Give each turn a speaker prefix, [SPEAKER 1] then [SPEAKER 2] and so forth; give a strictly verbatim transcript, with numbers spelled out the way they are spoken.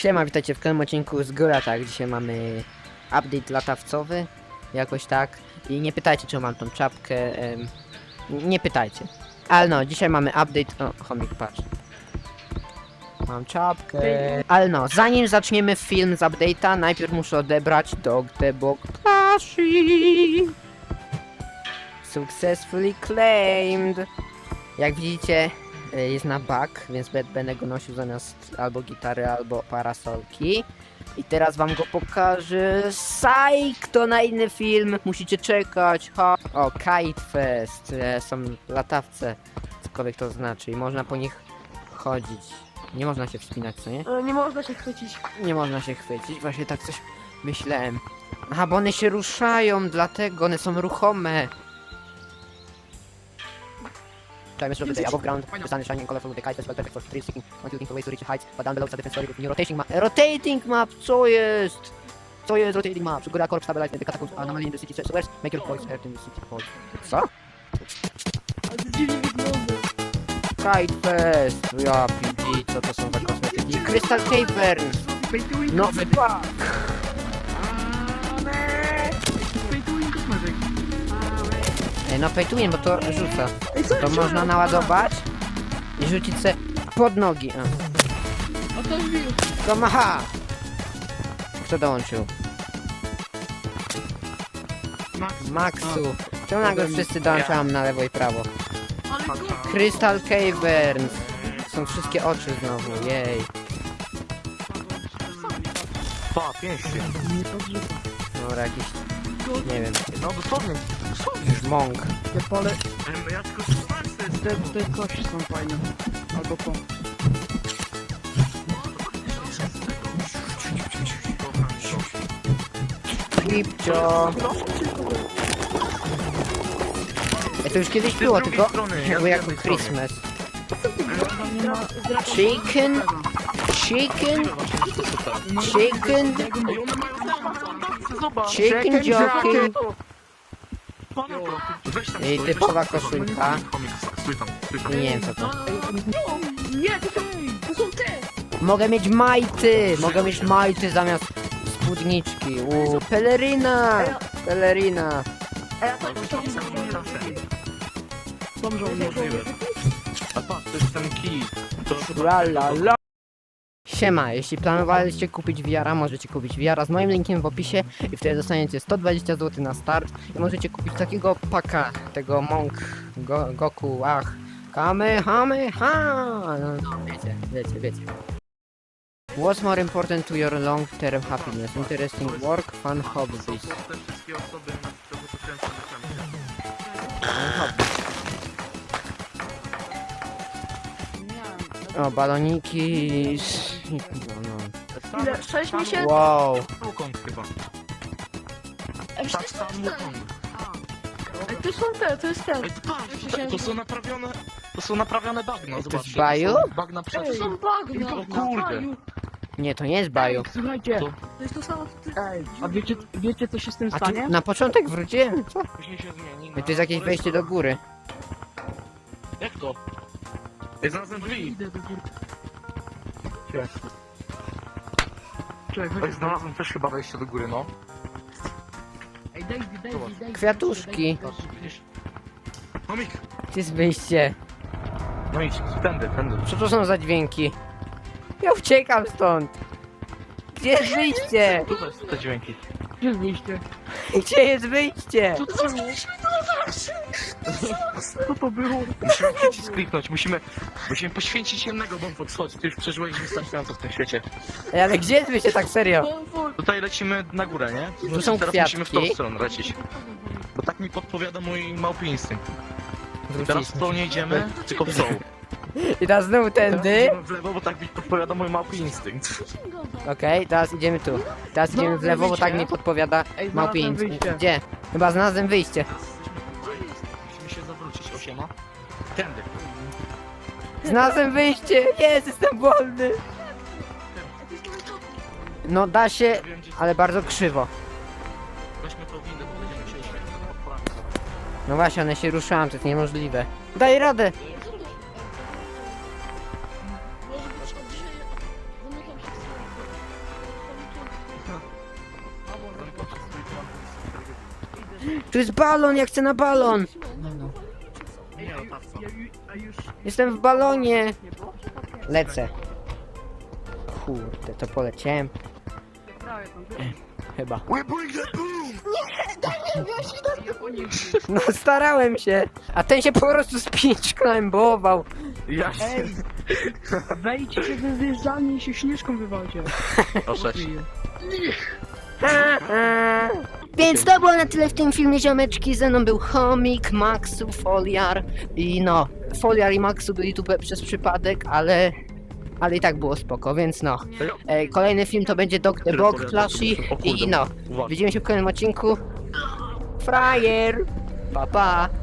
[SPEAKER 1] Siema, witajcie w kolejnym odcinku z Goratach. Dzisiaj mamy update latawcowy, jakoś tak. I nie pytajcie, czy mam tą czapkę, em, nie pytajcie. Ale no, dzisiaj mamy update, o, chomik, patrz. Mam czapkę. Ale no, zanim zaczniemy film z update'a, najpierw muszę odebrać Dog the Boktashi. Successfully claimed. Jak widzicie, jest na bug, więc będę go nosił zamiast albo gitary, albo parasolki. I teraz wam go pokażę. Psych, to na inny film, musicie czekać. Ha. O, Kite Fest, są latawce, cokolwiek to znaczy, i można po nich chodzić. Nie można się wspinać, co nie?
[SPEAKER 2] Nie można się chwycić.
[SPEAKER 1] Nie można się chwycić, właśnie tak coś myślałem. Aha, bo one się ruszają, dlatego one są ruchome. Time is the above ground, the sun is shining colorful, the kite is well perfect for thrill seeking, one looking for ways to reach the heights, but down below is a different story with new rotating map. Rotating map, co jest? Co jest rotating map? Góra korp stabilize the catacombs anomaly in the city sewers, make your voice heard in the city hall. Co?
[SPEAKER 2] Ale to dziwnie wygląda.
[SPEAKER 1] Kite Fest, ja P G, co to są za kosmetyki? Crystal Caverns, nowy pack. Ej, no pay to win, bo to rzuca. To można naładować i rzucić se pod nogi. A.
[SPEAKER 2] O to wbił.
[SPEAKER 1] To macha! Kto dołączył? Maxu. Czemu nagle wszyscy dołączałem na lewo i prawo?
[SPEAKER 2] Ale go...
[SPEAKER 1] Crystal Caverns. Są wszystkie oczy znowu, jej.
[SPEAKER 3] Pa, pięści.
[SPEAKER 2] Nie podrzuca.
[SPEAKER 1] Dobra, jakiś, nie wiem,
[SPEAKER 3] No dosłownie, dosłownie.
[SPEAKER 1] już mąk.
[SPEAKER 2] Te pole...
[SPEAKER 3] Ja tylko słucham, to jest...
[SPEAKER 2] Te, te kości są fajne. Albo po...
[SPEAKER 1] Klipcio. Ej, to już kiedyś było, tylko jakby jako Christmas. Chicken? Chicken? Chicken? Chicken jockey? I typowa koszulka. Nie wiem co to.
[SPEAKER 2] Nie, to są... To są te!
[SPEAKER 1] Mogę mieć majty! Mogę mieć majty zamiast spódniczki. Uuu, peleryna! Peleryna!
[SPEAKER 2] A ja tak to są żołnierze.
[SPEAKER 3] A patrz, to jest ten kij. To
[SPEAKER 1] La la la. Siema, jeśli planowaliście kupić V R-a, możecie kupić V R-a z moim linkiem w opisie i wtedy dostaniecie sto dwadzieścia złotych na start i możecie kupić takiego paka, tego Monk, Go, Goku, ach, Kamehameha, no wiecie, wiecie, wiecie. What's more important to your long-term happiness? Interesting work, fun hobbies.
[SPEAKER 3] te wszystkie osoby, które pokręcą na
[SPEAKER 1] Fun hobbies. O, baloniki. No,
[SPEAKER 2] Ile? sześć miesięcy?
[SPEAKER 1] wow.
[SPEAKER 3] Wukong chyba.
[SPEAKER 2] Ej,
[SPEAKER 3] Tak, sam Wukong.
[SPEAKER 2] Ej, to są te, to jest ten.
[SPEAKER 3] Ej, to patrz, to, to są naprawione... To są naprawione bagna,
[SPEAKER 1] Ej, to
[SPEAKER 3] zobaczcie.
[SPEAKER 1] jest baju?
[SPEAKER 3] To są bagna
[SPEAKER 2] Ej,
[SPEAKER 3] przed...
[SPEAKER 2] to są bagna.
[SPEAKER 3] O kurde.
[SPEAKER 2] Baju.
[SPEAKER 1] Nie, to nie jest baju.
[SPEAKER 2] Słuchajcie.
[SPEAKER 3] To-
[SPEAKER 2] To jest to samo...
[SPEAKER 4] Ej, a wiecie, wiecie co się z tym
[SPEAKER 1] A tu
[SPEAKER 4] stanie?
[SPEAKER 1] na początek wróciłem? Co?
[SPEAKER 3] Później się zmieni na...
[SPEAKER 1] Ej, to jest jakieś wejście do góry.
[SPEAKER 3] Jak to? Ej, znalazłem drzwi.
[SPEAKER 4] Idę do góry.
[SPEAKER 2] Czekaj,
[SPEAKER 3] Ej, znalazłem też chyba wejście do góry, no.
[SPEAKER 4] Ej, Daisy, Daisy, Daisy.
[SPEAKER 1] Kwiatuszki.
[SPEAKER 3] Patrz, widzisz? Chomik!
[SPEAKER 1] Gdzie jest wyjście?
[SPEAKER 3] No idź, tędy, tędy.
[SPEAKER 1] Co to są za dźwięki? Ja uciekam stąd. Gdzie jest wyjście?
[SPEAKER 3] Tutaj są te dźwięki.
[SPEAKER 4] Gdzie jest wyjście?
[SPEAKER 1] Gdzie jest wyjście?
[SPEAKER 4] Co to było? Co to było?
[SPEAKER 3] Musimy przycisk kliknąć, musimy... Musimy poświęcić jednego Bonfox, chodź, ty już przeżyłeś wystarczająco w tym świecie.
[SPEAKER 1] Ej, ale gdzie jest wyjście tak serio?
[SPEAKER 3] Tutaj lecimy na górę, nie?
[SPEAKER 1] Tu są
[SPEAKER 3] Teraz musimy w tą
[SPEAKER 1] kwiatki.
[SPEAKER 3] stronę lecieć. Bo tak mi podpowiada mój małpi instynkt. I teraz w
[SPEAKER 1] Wróciliśmy.
[SPEAKER 3] tą nie idziemy, tylko w tą.
[SPEAKER 1] I teraz znowu
[SPEAKER 3] Teraz
[SPEAKER 1] tędy.
[SPEAKER 3] idziemy w lewo, bo tak mi podpowiada mój małpi instynkt.
[SPEAKER 1] Okej, teraz idziemy tu. Teraz idziemy w lewo, bo tak mi podpowiada
[SPEAKER 4] Ej,
[SPEAKER 1] małpi
[SPEAKER 4] znalazłem
[SPEAKER 1] instynkt.
[SPEAKER 4] wyjście.
[SPEAKER 1] Gdzie? Chyba znalazłem wyjście.
[SPEAKER 3] Musimy się zawrócić, osiema. Tędy.
[SPEAKER 1] Znalazłem wyjście! Jest, jestem wolny! No da się,
[SPEAKER 3] Wiem, gdzie...
[SPEAKER 1] ale bardzo krzywo.
[SPEAKER 3] Weźmy tą windę, bo będziemy się oświetlić.
[SPEAKER 1] No właśnie, one się ruszają, to jest niemożliwe. Daj radę! Tu jest balon, ja chcę na balon!
[SPEAKER 4] Ej,
[SPEAKER 3] Nie,
[SPEAKER 4] a,
[SPEAKER 3] no,
[SPEAKER 4] ju-
[SPEAKER 3] tak,
[SPEAKER 4] ja, ju- a już...
[SPEAKER 1] Jestem w balonie!
[SPEAKER 4] Nie było?
[SPEAKER 1] Lecę. Kurde, to poleciałem
[SPEAKER 4] Prawie tam było.
[SPEAKER 1] chyba.
[SPEAKER 3] We bring the boom!
[SPEAKER 4] Ja po nim...
[SPEAKER 1] No starałem się, a ten się po prostu z pięć klembował.
[SPEAKER 3] Ja się...
[SPEAKER 4] Ej! Wejdźcie we wyjeżdżalnię i się śnieżką wywalcie.
[SPEAKER 3] O sześć.
[SPEAKER 1] Więc to było na tyle w tym filmie, ziomeczki. Ze mną był Chomik, Maxu, Foliar i no, Foliar i Maxu byli tu przez przypadek, ale ale i tak było spoko, więc no. E, kolejny film to będzie Dog the Bog, Flashy i no.
[SPEAKER 3] Uwaga.
[SPEAKER 1] Widzimy się w kolejnym odcinku. Frajer! Pa pa!